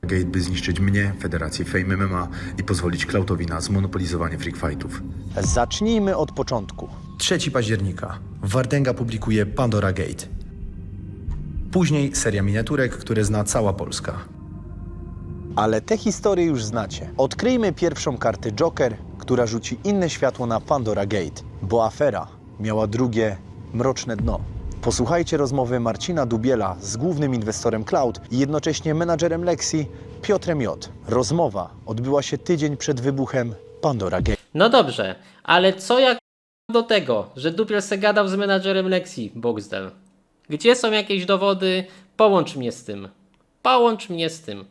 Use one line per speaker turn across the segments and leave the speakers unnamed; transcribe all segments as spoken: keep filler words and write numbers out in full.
Gate, by zniszczyć mnie, Federację Fame M M A i pozwolić Cloudowi na zmonopolizowanie freak fightów.
Zacznijmy od początku.
trzeciego października Wardęga publikuje Pandora Gate. Później seria miniaturek, które zna cała Polska.
Ale te historie już znacie. Odkryjmy pierwszą kartę Joker, która rzuci inne światło na Pandora Gate, bo afera miała drugie, mroczne dno. Posłuchajcie rozmowy Marcina Dubiela z głównym inwestorem Cloud i jednocześnie menadżerem Lexi, Piotrem J. Rozmowa odbyła się tydzień przed wybuchem Pandora Gate.
No dobrze, ale co jak do tego, że Dubiel se gadał z menadżerem Lexi, Boxdel? Gdzie są jakieś dowody? Połącz mnie z tym. Połącz mnie z tym.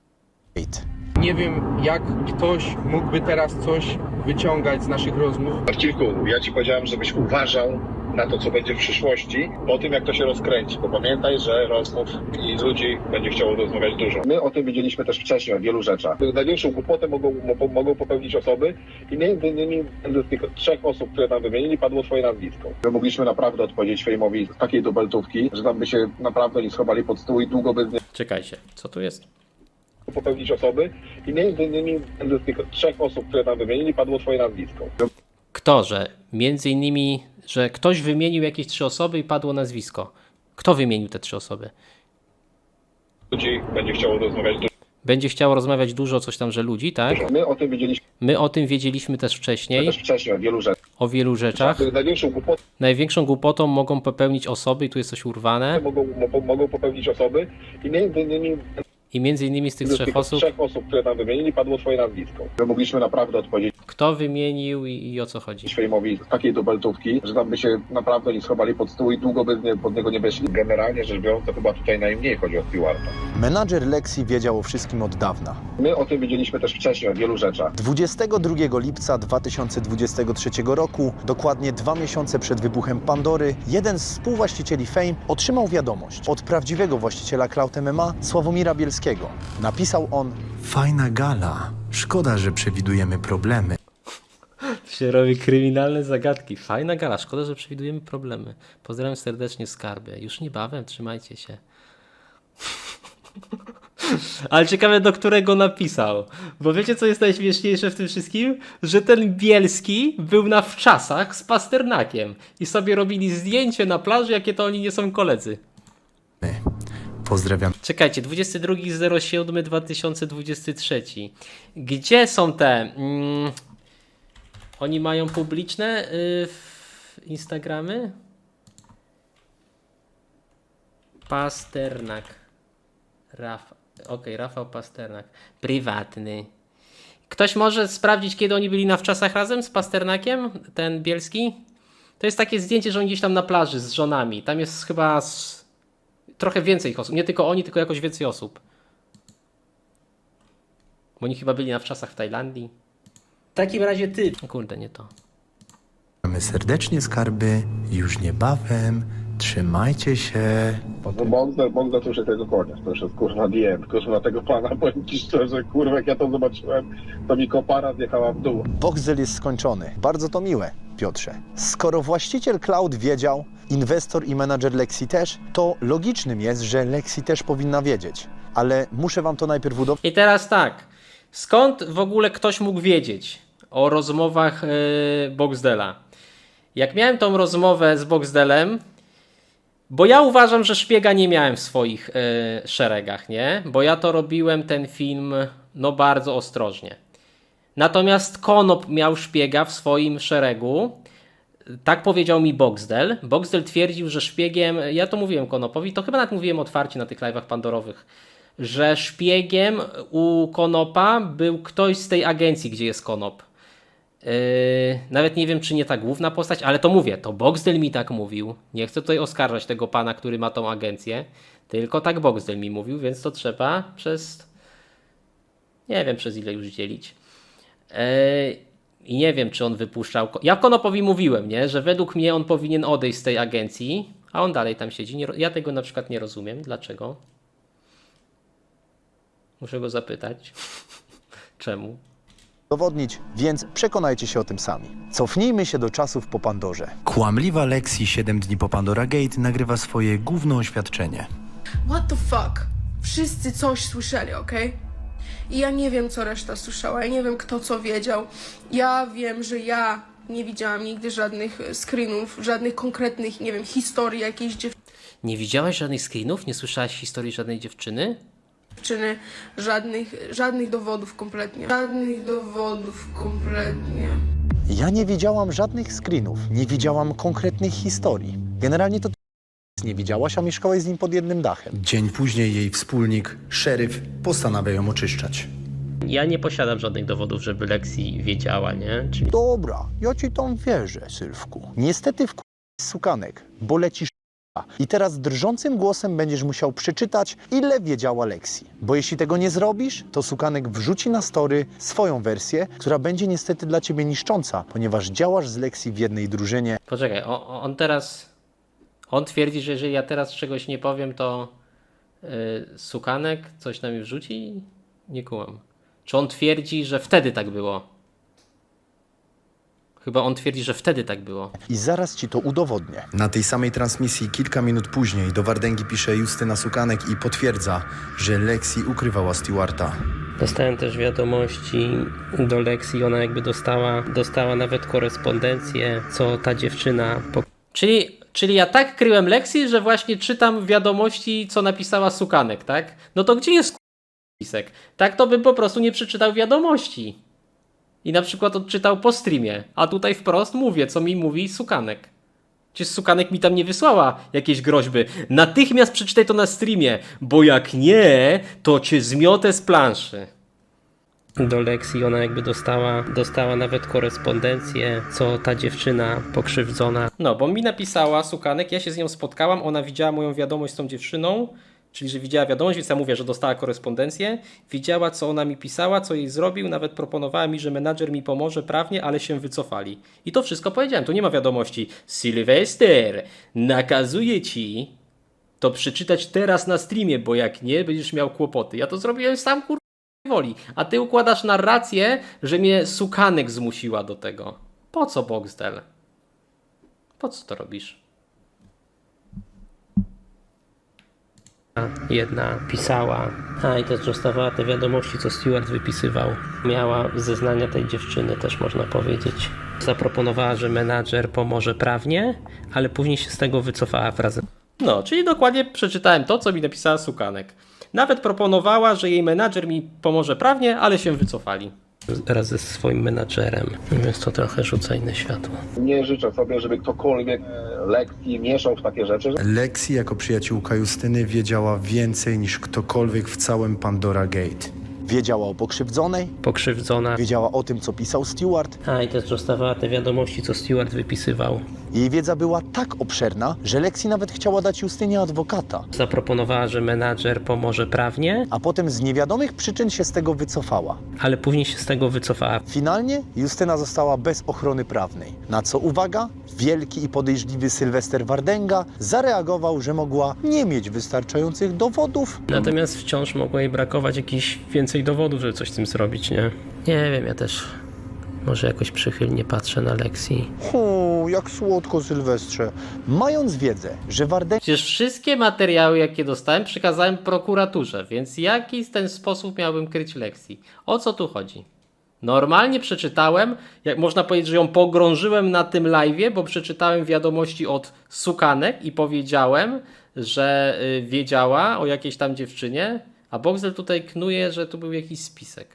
Nie wiem, jak ktoś mógłby teraz coś wyciągać z naszych rozmów.
Marcinku, ja ci powiedziałem, żebyś uważał na to, co będzie w przyszłości, po tym, jak to się rozkręci. Bo pamiętaj, że rozmów i ludzi będzie chciało rozmawiać dużo. My o tym wiedzieliśmy też wcześniej, o wielu rzeczach. Największą głupotę mogą, mo- mogą popełnić osoby i między innymi z tych trzech osób, które tam wymienili, padło twoje nazwisko. My mogliśmy naprawdę odpowiedzieć Fejmowi z takiej dubeltówki, że tam by się naprawdę nie schowali pod stół i długo by z
Czekajcie, co tu jest?
popełnić osoby i między innymi z tych trzech osób, które tam wymienili, padło twoje nazwisko.
Kto, że między innymi, że ktoś wymienił jakieś trzy osoby i padło nazwisko. Kto wymienił te trzy osoby?
Ludzi będzie chciało rozmawiać dużo.
Będzie chciało rozmawiać dużo, coś tam, że ludzi, tak?
My o tym wiedzieliśmy
My o tym wiedzieliśmy też wcześniej,
też wcześniej, o wielu rzeczach.
o wielu rzeczach.
Największą głupotę
Największą głupotą mogą popełnić osoby, i tu jest coś urwane,
mogą, mo- mogą popełnić osoby i między innymi
i między innymi z tych
z
trzech
tych
osób,
trzech osób, które tam wymienili, padło twoje nazwisko. My mogliśmy naprawdę odpowiedzieć
kto wymienił i, i o co chodzi.
Fejmowi z takiej dubeltówki, że tam by się naprawdę nie schowali pod stół i długo by z nie, pod niego nie weszli. Generalnie rzecz biorąc, to chyba tutaj najmniej chodzi o Stewarta.
Menadżer Lexi wiedział o wszystkim od dawna.
My o tym wiedzieliśmy też wcześniej, o wielu rzeczach.
dwudziestego drugiego lipca dwa tysiące dwudziestego trzeciego roku, dokładnie dwa miesiące przed wybuchem Pandory, jeden z współwłaścicieli Fame otrzymał wiadomość od prawdziwego właściciela Cloud M M A, Sławomira Bielskiego. Napisał on:
Fajna gala. Szkoda, że przewidujemy problemy.
To się robi kryminalne zagadki. Fajna gala, szkoda, że przewidujemy problemy. Pozdrawiam serdecznie Skarbę. Już niebawem, trzymajcie się. Ale ciekawe, do którego napisał. Bo wiecie, co jest najśmieszniejsze w tym wszystkim? Że ten Bielski był na wczasach z Pasternakiem i sobie robili zdjęcie na plaży, jakie to oni nie są koledzy.
Pozdrawiam
Czekajcie, dwudziestego drugiego siódmego dwa tysiące dwudziestego trzeciego. Gdzie są te... Mm, oni mają publiczne y, w Instagramy? Pasternak. Rafał. Okej, okay, Rafał Pasternak. Prywatny. Ktoś może sprawdzić, kiedy oni byli na wczasach razem z Pasternakiem? Ten Bielski? To jest takie zdjęcie, że oni gdzieś tam na plaży z żonami. Tam jest chyba... Z... Trochę więcej ich osób. Nie tylko oni, tylko jakoś więcej osób. Bo oni chyba byli na wczasach w Tajlandii. W takim razie ty. Kurde, nie to.
serdecznie, Skarby. Już niebawem. Trzymajcie się.
Bogdan, Bogdan to już jest tego koniec, to już jest kurwa D M, kurwa tego pana, powiem ci szczerze, kurwa jak ja to zobaczyłem, to mi kopara zjechała w dół.
Boxdel jest skończony. Bardzo to miłe, Piotrze. Skoro właściciel Cloud wiedział, inwestor i menadżer Lexi też, to logicznym jest, że Lexi też powinna wiedzieć. Ale muszę wam to najpierw udowodnić.
I teraz tak. Skąd w ogóle ktoś mógł wiedzieć o rozmowach yy, Boxdela? Jak miałem tą rozmowę z Boxdelem, bo ja uważam, że szpiega nie miałem w swoich yy, szeregach, nie? Bo ja to robiłem, ten film, no bardzo ostrożnie. Natomiast Konop miał szpiega w swoim szeregu. Tak powiedział mi Boxdel. Boxdel twierdził, że szpiegiem, ja to mówiłem Konopowi, to chyba nawet mówiłem otwarcie na tych live'ach pandorowych, że szpiegiem u Konopa był ktoś z tej agencji, gdzie jest Konop. Yy, nawet nie wiem, czy nie ta główna postać, ale to mówię, to Boxdel mi tak mówił. Nie chcę tutaj oskarżać tego pana, który ma tą agencję, tylko tak Boxdel mi mówił, więc to trzeba przez, nie wiem przez ile już dzielić. Yy, I nie wiem, czy on wypuszczał... Ja Konopowi mówiłem, nie, że według mnie on powinien odejść z tej agencji, a on dalej tam siedzi. Nie, ja tego na przykład nie rozumiem. Dlaczego? Muszę go zapytać. Czemu?
Udowodnić, więc przekonajcie się o tym sami. Cofnijmy się do czasów po Pandorze.
Kłamliwa Lexi siedem dni po Pandora Gate nagrywa swoje główne oświadczenie.
What the fuck? Wszyscy coś słyszeli, okej? I ja nie wiem, co reszta słyszała, ja nie wiem, kto co wiedział. Ja wiem, że ja nie widziałam nigdy żadnych screenów, żadnych konkretnych, nie wiem, historii jakiejś
Nie widziałaś żadnych screenów? Nie słyszałaś historii żadnej dziewczyny?
dziewczyny, żadnych, żadnych dowodów kompletnie. Żadnych dowodów kompletnie.
Ja nie widziałam żadnych screenów, nie widziałam konkretnych historii. Generalnie to ty nie widziałaś, a mieszkałaś z nim pod jednym dachem.
Dzień później jej wspólnik, szeryf, postanawia ją oczyszczać.
Ja nie posiadam żadnych dowodów, żeby Lexi wiedziała, nie? Czyli
Dobra, ja ci tam wierzę, Sylwku. Niestety w sukanek, bo lecisz i teraz drżącym głosem będziesz musiał przeczytać, ile wiedziała Lexi. Bo jeśli tego nie zrobisz, to sukanek wrzuci na story swoją wersję, która będzie niestety dla ciebie niszcząca, ponieważ działasz z Lexi w jednej drużynie.
poczekaj, o, o- on teraz, on twierdzi, że jeżeli ja teraz czegoś nie powiem, to yy, Sukanek coś na mnie wrzuci? Nie kumam. Czy on twierdzi, że wtedy tak było? Chyba on twierdzi, że wtedy tak było.
I zaraz ci to udowodnię.
Na tej samej transmisji kilka minut później do Wardęgi pisze Justyna Sukanek i potwierdza, że Lexi ukrywała Stewarta.
Dostałem też wiadomości do Lexi, ona jakby dostała, dostała nawet korespondencję, co ta dziewczyna... Po... Czyli, czyli ja tak kryłem Lexi, że właśnie czytam wiadomości, co napisała Sukanek, tak? No to gdzie jest spisek? Tak to bym po prostu nie przeczytał wiadomości. I na przykład odczytał po streamie, a tutaj wprost mówię, co mi mówi Sukanek. Czy Sukanek mi tam nie wysłała jakieś groźby? Natychmiast przeczytaj to na streamie, bo jak nie, to cię zmiotę z planszy. Do Lexi ona jakby dostała, dostała nawet korespondencję, co ta dziewczyna pokrzywdzona. No, bo mi napisała Sukanek, ja się z nią spotkałam, ona widziała moją wiadomość z tą dziewczyną, czyli że widziała wiadomość, więc ja mówię, że dostała korespondencję, widziała, co ona mi pisała, co jej zrobił, nawet proponowała mi, że menadżer mi pomoże prawnie, ale się wycofali. I to wszystko powiedziałem, tu nie ma wiadomości. Sylwester, nakazuję ci to przeczytać teraz na streamie, bo jak nie, będziesz miał kłopoty. Ja to zrobiłem sam, kur... woli. A ty układasz narrację, że mnie Sukanek zmusiła do tego. Po co, Boxdel? Po co to robisz? Jedna pisała, a i też dostawała te wiadomości, co Stewart wypisywał. Miała zeznania tej dziewczyny, też można powiedzieć. Zaproponowała, że menadżer pomoże prawnie, ale później się z tego wycofała wraz. No, czyli dokładnie przeczytałem to, co mi napisała Sukanek. Nawet proponowała, że jej menadżer mi pomoże prawnie, ale się wycofali. Wraz ze swoim menadżerem, więc to trochę rzuca inne światło.
Nie życzę sobie, żeby ktokolwiek e, Lexi mieszał w takie rzeczy.
Lexi jako przyjaciółka Justyny wiedziała więcej niż ktokolwiek w całym Pandora Gate.
Wiedziała o pokrzywdzonej,
Pokrzywdzona.
wiedziała o tym, co pisał Stewart.
A i też dostawała te wiadomości, co Stewart wypisywał.
Jej wiedza była tak obszerna, że Lexi nawet chciała dać Justynie adwokata,
Zaproponowała, że menadżer pomoże prawnie,
a potem z niewiadomych przyczyn się z tego wycofała.
ale później się z tego wycofała.
Finalnie Justyna została bez ochrony prawnej, na co, uwaga, wielki i podejrzliwy Sylwester Wardęga zareagował, że mogła nie mieć wystarczających dowodów.
Natomiast wciąż mogło jej brakować jakichś więcej dowodów, żeby coś z tym zrobić, nie? Nie wiem, ja też może jakoś przychylnie patrzę na Lexi.
O, jak słodko, Sylwestrze. Mając wiedzę, że Wardęga
Przecież wszystkie materiały, jakie dostałem, przekazałem prokuraturze, więc jaki w ten sposób miałbym kryć Lexi? O co tu chodzi? Normalnie przeczytałem, jak można powiedzieć, że ją pogrążyłem na tym live'ie, bo przeczytałem wiadomości od Sukanek i powiedziałem, że y, wiedziała o jakiejś tam dziewczynie, a Boxel tutaj knuje, że tu był jakiś spisek.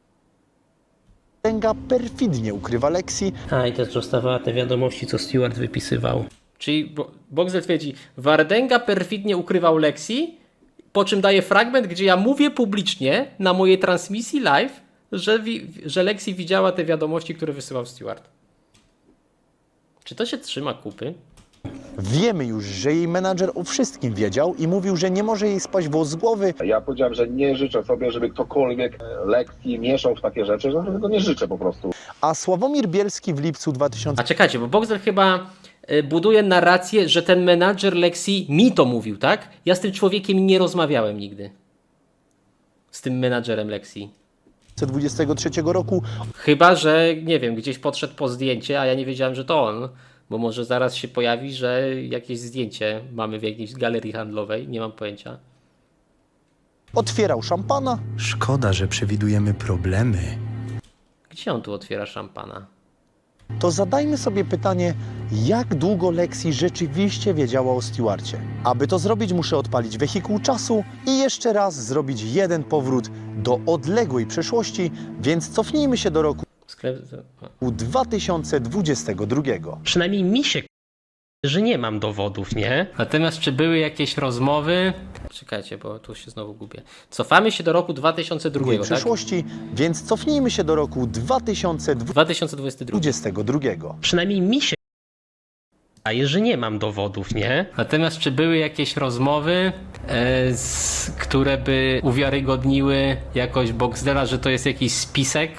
perfidnie ukrywa Lexi,
A i też dostawała te wiadomości, co Stewart wypisywał. Czyli Bo- Boxel twierdzi, Wardęga perfidnie ukrywał Lexi, po czym daje fragment, gdzie ja mówię publicznie na mojej transmisji live, że, wi- że Lexi widziała te wiadomości, które wysyłał Stewart. Czy to się trzyma kupy?
wiemy już, że jej menadżer o wszystkim wiedział i mówił, że nie może jej spaść włos z głowy.
Ja powiedziałem, że nie życzę sobie, żeby ktokolwiek e, Lexi mieszał w takie rzeczy, że tego nie życzę po prostu.
A Sławomir Bielski w lipcu dwa tysiące
A czekajcie, bo Boxel chyba y, buduje narrację, że ten menadżer Lexi mi to mówił, tak? Ja z tym człowiekiem nie rozmawiałem nigdy. Z tym menadżerem Lexi.
dwudziestego trzeciego roku
Chyba, że nie wiem, gdzieś podszedł po zdjęcie, a ja nie wiedziałem, że to on. Bo może zaraz się pojawi, że jakieś zdjęcie mamy w jakiejś galerii handlowej, nie mam pojęcia.
otwierał szampana
Szkoda, że przewidujemy problemy.
Gdzie on tu otwiera szampana?
to zadajmy sobie pytanie, jak długo Lexi rzeczywiście wiedziała o Stewarcie. Aby to zrobić, muszę odpalić wehikuł czasu i jeszcze raz zrobić jeden powrót do odległej przeszłości, więc cofnijmy się do roku
Sklep...
dwa tysiące dwudziestego drugiego.
Przynajmniej mi się k- że nie mam dowodów, nie?
Natomiast czy były jakieś rozmowy? Czekajcie, bo tu się znowu gubię. Cofamy się do roku dwa tysiące drugiego, tak?
przeszłości, więc cofnijmy się do roku dwa tysiące
dwa tysiące dwudziesty drugi.
dwudziestego drugiego.
Przynajmniej mi się wydaje, że nie mam dowodów, nie?
Natomiast czy były jakieś rozmowy, e, z, które by uwiarygodniły jakoś Boxdela, że to jest jakiś spisek?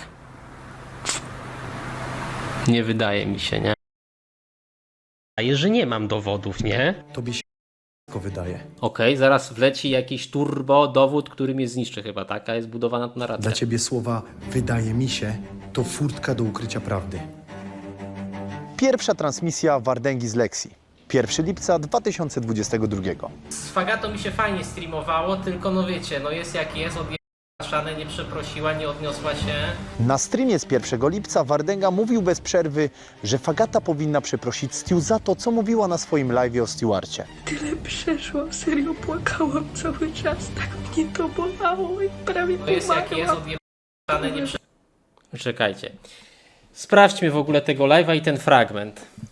Nie wydaje mi się, nie?
Wydaje, że nie mam dowodów, nie?
Tobie się wydaje.
Okej, zaraz wleci jakiś turbo dowód, który mnie zniszczy chyba, tak? A jest budowana tu narracja.
Dla ciebie słowa wydaje mi się to furtka do ukrycia prawdy.
Pierwsza transmisja Wardęgi z Lexi. pierwszego lipca dwa tysiące dwudziestego drugiego.
Z Fagatą mi się fajnie streamowało, tylko no wiecie, no jest jak jest, odjechała szanę, nie przeprosiła, nie odniosła się.
Na streamie z pierwszego lipca Wardęga mówił bez przerwy, że Fagata powinna przeprosić Stu za to, co mówiła na swoim live'ie o Stewarcie.
Tyle przeszłam, serio płakałam cały czas, tak mnie to bolało i prawie
No jest jak jest,
pomarłam.
odjechała szanę, nie prze... Czekajcie. Sprawdźmy w ogóle tego live'a i ten fragment.